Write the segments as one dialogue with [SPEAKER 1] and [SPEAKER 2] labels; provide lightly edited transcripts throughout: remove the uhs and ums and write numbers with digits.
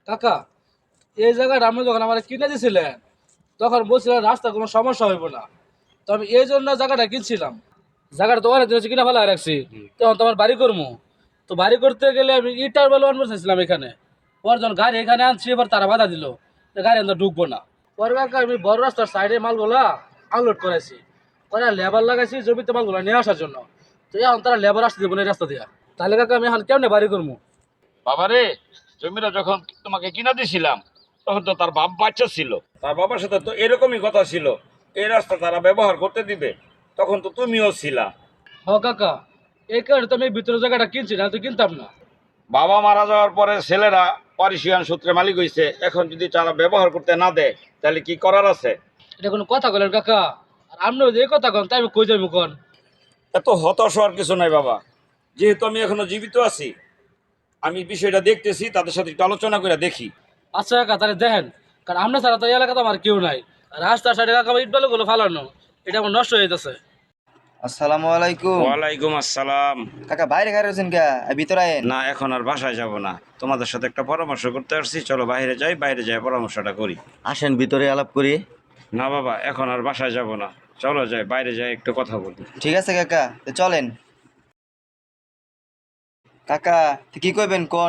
[SPEAKER 1] কাকা, এই জায়গাটা আপনি যখন আমার কিনে দিয়েছিলেন তখন বলছিলেন রাস্তা কোনো সমস্যা হইব না। তো আমি এই জন্য জায়গাটা কিনছিলাম। জায়গাটা তো অনেক দিন হচ্ছে কিনা ফেলা রাখছি, তখন তোমার বাড়ি করবো। তো বাড়ি করতে গেলে আমি ইটার বেলা আনবো চাইছিলাম এখানে। পর যখন গাড়ি এখানে আনছি এবার তারা বাধা দিল যে গাড়ি আমরা ঢুকবো না। পরে কাকা আমি বড় রাস্তার সাইডে মালগুলা আনলোড করেছি, পরে লেবার লাগাইছি জমিতে মালগুলা নিয়ে আসার জন্য। তো এখন তারা লেবার আসতে দেবো না এই রাস্তা দিয়া। তাহলে কাকা আমি এখন কেমনে বাড়ি করবো?
[SPEAKER 2] বাবারে, জমিটা যখন তোমাকে কিনা দিছিলাম তখন তো তার বাপ বাচ্চা ছিল, তার বাবার সাথে তো এরকমই কথা ছিল এই রাস্তা তারা ব্যবহার করতে দিবে। তখন তো তুমিও ছিলা।
[SPEAKER 1] হ কাকা, এই কারণে তো আমি ভিতরের জায়গাটা কিনছি, না তো কিনতাম না।
[SPEAKER 2] বাবা মারা যাওয়ার পরে ছেলেরা পারিশিয়ান সূত্রে মালিক হয়েছে, এখন যদি তারা ব্যবহার করতে না দেয় তাহলে কি করার আছে?
[SPEAKER 1] এটা কোনো কথা বলেন কাকা? আর আপনি যে এই কথা কন তাই আমি কই যাবো কন?
[SPEAKER 2] এত হতাশ হওয়ার কিছু নাই বাবা। যেহেতু আমি এখনো জীবিত আছি, আমি বিষয়টা দেখতেছি, তাদের সাথে একটু আলোচনা করে দেখি।
[SPEAKER 1] আচ্ছা কাকা, তাহলে দেখেন, কারণ আপনার ছাড়া তো এই এলাকাতে আমার কেউ নাই। রাস্তার সাইডে কাকা আমার ইট বালুগুলো ফালানো, এটা আমার নষ্ট হয়ে যাচ্ছে।
[SPEAKER 3] আসসালামু আলাইকুম।
[SPEAKER 2] ওয়ালাইকুম আসসালাম।
[SPEAKER 3] কাকা বাইরে গাড়ি রয়েছেন কে? ভিতরে আয়েন।
[SPEAKER 2] না, এখন আর বাসায় যাব না, তোমাদের সাথে একটা পরামর্শ করতে আসছি। চলো বাইরে যাই, বাইরে যাই পরামর্শটা করি।
[SPEAKER 3] আসেন ভিতরে আলাপ করি।
[SPEAKER 2] না বাবা, এখন আর বাসায় যাব না, চলো যাই বাইরে যাই একটু কথা বলি।
[SPEAKER 3] ঠিক আছে কাকা, তো চলেন। কাকা তো কি কইবেন কোন?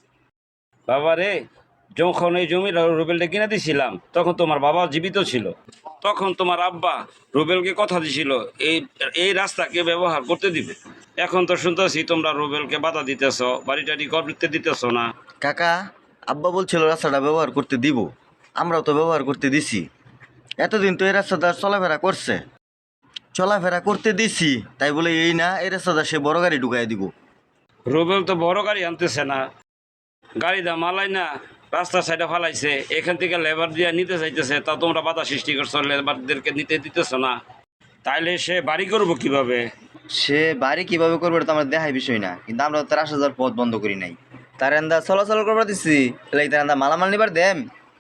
[SPEAKER 2] বাবা রে, যখন এই জমির রুবেলটা কিনে দিছিলাম তখন তোমার বাবা জীবিত ছিল। তখন তোমার আব্বা রুবেলকে কথা দিছিল এই এই রাস্তাকে ব্যবহার করতে দিবে। এখন তো শুনতেছি তোমরা রুবেলকে বাধা দিতেছ, বাড়িটারি করতে দিতেছ না।
[SPEAKER 3] কাকা, আব্বা বলছিল রাস্তাটা ব্যবহার করতে দিব, আমরাও তো ব্যবহার করতে দিছি। এতদিন তো এই রাস্তাটা চলাফেরা করছে, চলাফেরা করতে দিছি, তাই বলে এই না এই রাস্তাটা সে বড় গাড়ি ঢুকাই দিব?
[SPEAKER 2] রুবেল তো বড় গাড়ি আনতেছে না, গাড়ি দা মালাই না রাস্তার সাইডে ফালাইছে, এখান থেকে লেবার দিয়ে নিতে চাইতেছে, তা তোমরা বাধা সৃষ্টি করছো, লেবারদেরকে নিতে দিতেছ না। তাইলে সে বাড়ি করবো কিভাবে?
[SPEAKER 3] সে বাড়ি কিভাবে করবে এটা তো আমার দেখাই বিষয় না, কিন্তু আমরা তো তার আসা যাওয়ার পথ বন্ধ করি নাই। তার এন্দা চলাচল করবার দিচ্ছি, তাহলে তার এন্দা মালামাল নিবার দেম।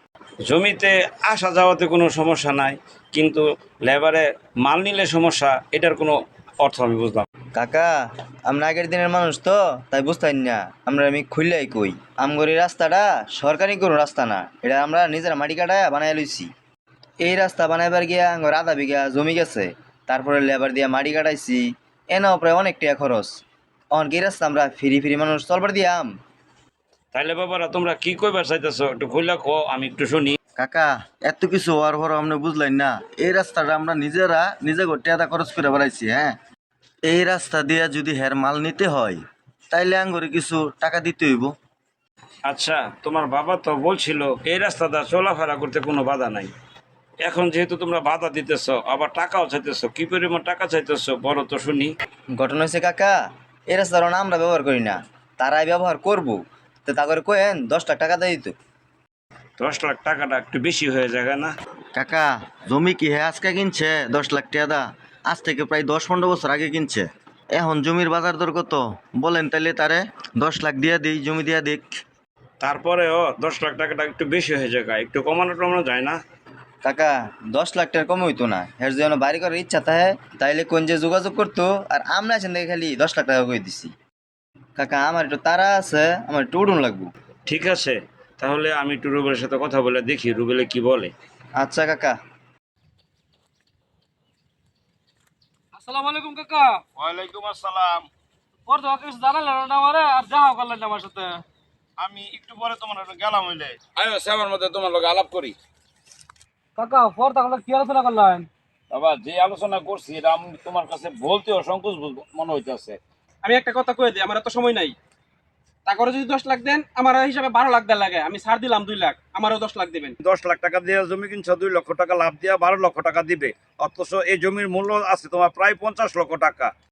[SPEAKER 2] জমিতে আসা যাওয়াতে কোনো সমস্যা নাই, কিন্তু লেবারে মাল নিলে সমস্যা, এটার কোনো অর্থ আমি বুঝলাম।
[SPEAKER 3] কাকা, আমরা আগের দিনের মানুষ তো তাই বুঝতেন না। আমি খুললাই কই, আমগরি রাস্তাটা সরকারি কোনো রাস্তা না, এটা আমরা নিজেরা মাটি কাটায় বানাই লইছি। এই রাস্তা বানাইবার গিয়া আঙ্গর আধা বিঘা জমি গেছে, তারপরে লেবার দিয়া মাটি কাটাইছি, এনাও প্রায় অনেক টাকা খরচ। অন কি রাস্তা আমরা ফিরি ফিরি মানুষ চলবার দিয়াম?
[SPEAKER 2] তাইলে বাবারা তোমরা কি কইবার চাইতেছো একটু খুলে কো, আমি একটু শুনি।
[SPEAKER 3] কাকা, এত কিছু হওয়ার পর আপনি বুঝলেন না, এই রাস্তাটা আমরা নিজেরা নিজে টাকা খরচ করে বেড়াইছি। হ্যাঁ, এই রাস্তা দিয়া যদি হের মাল নিতে হয় তাইলে আঙ্গরে কিছু টাকা দিতে হইব।
[SPEAKER 2] আচ্ছা, তোমার বাবা তো বলছিল এই রাস্তাটা চলাফেরা করতে কোনো বাধা নাই। এখন যেহেতু তোমরা বাধা দিতেছো, আবার টাকাও চাইতেছো, কি পরিমাণ টাকা চাইতেছো বলো তো শুনি।
[SPEAKER 3] ঘটনা হয়েছে কাকা, এই রাস্তাটা না আমরা ব্যবহার করি না, তারাই ব্যবহার করবো। তো তা করে কোয়েন 10 লাখ টাকা দেয় দিত।
[SPEAKER 2] 10 লাখ টাকাটা একটু বেশি হয়ে যায় না?
[SPEAKER 3] কাকা, জমি কি হ্যাঁ আজকে কিনছে 10 লাখ টাকা দা? আজ থেকে প্রায় 10-15 বছর আগে কিনছে। এখন জমির বাজার দর কত বলেন, তাইলে তারে 10 লাখ দিয়া দিই, জমি দিয়া দিক।
[SPEAKER 2] তারপরেও 10 লাখ টাকাটা একটু বেশি হয়ে যায়, একটু কমানো টমানো যায় না?
[SPEAKER 3] কাকা, 10 লাখ টাকার কম হইতো না, হের যেন বাড়ি করার ইচ্ছা থাকে তাইলে কোন যে যোগাযোগ করতো, আর আমরা এসে দেখে খালি 10 লাখ টাকা করে দিছি। কাকা, আমার একটু তারা আছে, আমার একটু উড়ুন লাগবো।
[SPEAKER 2] ঠিক আছে, তাহলে আমি একটু রুবেলের সাথে কথা বলে দেখি রুবেলে কি বলে।
[SPEAKER 3] আচ্ছা কাকা।
[SPEAKER 1] আসসালামু আলাইকুম কাকা।
[SPEAKER 2] ওয়ালাইকুম আসসালাম।
[SPEAKER 1] পর তো কিছু জানালেন না আমারে, আর যাও করলেন না আমার সাথে।
[SPEAKER 2] আমি একটু পরে তোমার গেলাম হইলে আয়ো সেবার মধ্যে তোমার লগে আলাপ করি।
[SPEAKER 1] কাকা, পর তাহলে কি আলোচনা করলেন?
[SPEAKER 2] বাবা, যে আলোচনা করছি এটা আমি তোমার কাছে বলতেও সংকোচ মনে হইতেছে।
[SPEAKER 4] আমি একটা কথা কয়ে দিই, আমার এত সময় নাই। তারপরে যদি 10 লাখ দেন, আমার হিসাবে 12 লাখ দেওয়া লাগে। আমি ছাড় দিলাম 2 লাখ, আমারও 10 লাখ দিবেন।
[SPEAKER 2] 10 লাখ টাকা দিয়ে জমি কিনছো, 2 লক্ষ টাকা লাভ দিয়া 12 লক্ষ টাকা দিবে, অথচ এই জমির মূল্য আছে তোমার প্রায় 50 লক্ষ টাকা।